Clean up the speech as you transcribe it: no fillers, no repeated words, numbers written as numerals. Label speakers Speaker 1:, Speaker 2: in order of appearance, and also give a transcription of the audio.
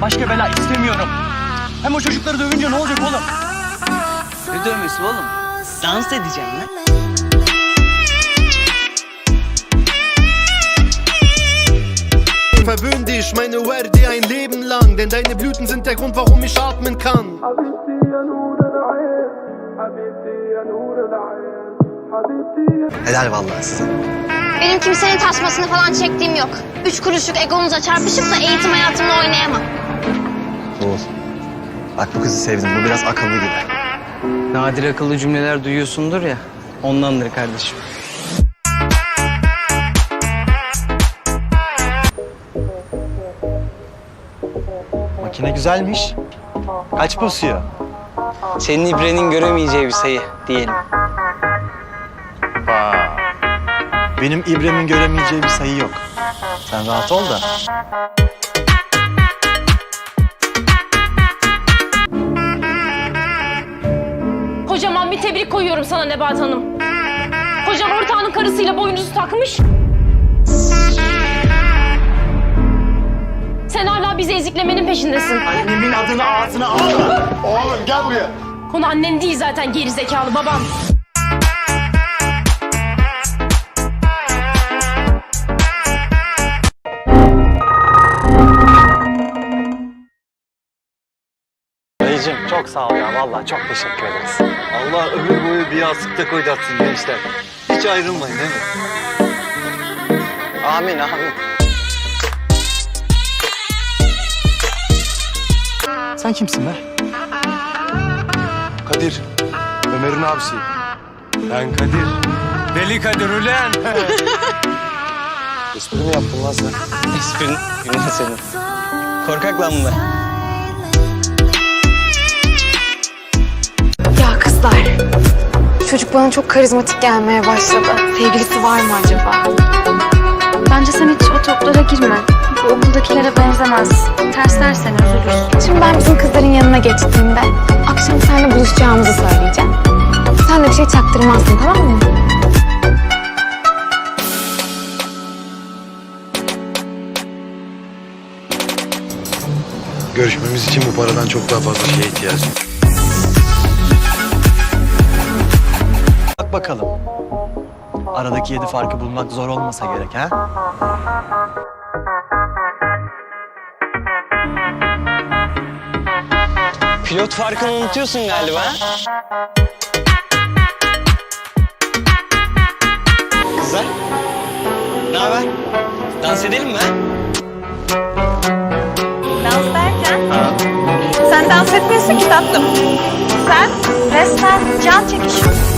Speaker 1: başka bela istemiyorum. Hem o çocukları dövünce ne olacak oğlum?
Speaker 2: Ne dövmesi oğlum? Dans edeceğim lan.
Speaker 3: Verwöhn dich, meine Werde ein Leben lang, denn deine Blüten sind der Grund, warum ich atmen kann.
Speaker 4: Helal vallahi size.
Speaker 5: Benim kimsenin tasmasını falan çektiğim yok. 3 kuruşluk egonuza çarpışıp da eğitim hayatımla oynayamam.
Speaker 4: Oğul. Bak bu kızı sevdim. Bu biraz akıllı gibi.
Speaker 2: Nadir akıllı cümleler duyuyorsundur ya. Ondandır kardeşim.
Speaker 1: Makine güzelmiş. Kaç basıyor?
Speaker 2: Senin ibrenin göremeyeceği bir sayı diyelim.
Speaker 1: Benim İbrem'in göremeyeceği bir sayı yok. Sen rahat ol da.
Speaker 6: Kocaman bir tebrik koyuyorum sana Nebahat Hanım. Kocam ortağının karısıyla boynunuzu takmış. Sen hala bizi eziklemenin peşindesin.
Speaker 1: Annemin adını ağzına al.
Speaker 3: Oğlum gel buraya.
Speaker 6: Konu annen değil zaten, gerizekalı babam.
Speaker 1: Dayıcığım çok sağ ol ya. Vallahi çok teşekkür ederiz.
Speaker 7: Allah ömür boyu bir yastıkta koydatsın gençler. Hiç ayrılmayın değil mi?
Speaker 1: Amin amin. Sen kimsin be?
Speaker 3: Kadir, Ömer'in abisi.
Speaker 7: Ben Kadir. Deli Kadir ulan.
Speaker 3: Espri mi yaptın lan sen?
Speaker 2: Esprin günah senin. Korkak lan bunlar.
Speaker 8: Ya kızlar, çocuk bana çok karizmatik gelmeye başladı. Sevgilisi var mı acaba? Bence sen hiç o toplara girme. Bu okuldakilere benzemez. Tersler seni, üzülürsün. Şimdi ben bizim kızların yanına geçtiğimde akşam seninle buluşacağımızı söyleyeceğim. Sen de bir şey çaktırmazsın, tamam mı?
Speaker 3: Görüşmemiz için bu paradan çok daha fazla şeye ihtiyacım var.
Speaker 1: Bak bakalım. Aradaki 7 farkı bulmak zor olmasa gerek ha?
Speaker 2: Pilot farkını unutuyorsun galiba. Kızlar, ne haber? Dans edelim mi?
Speaker 8: Dans derken? Sen dans etmiyorsun ki tatlım. Sen resmen can çekişiyorsun.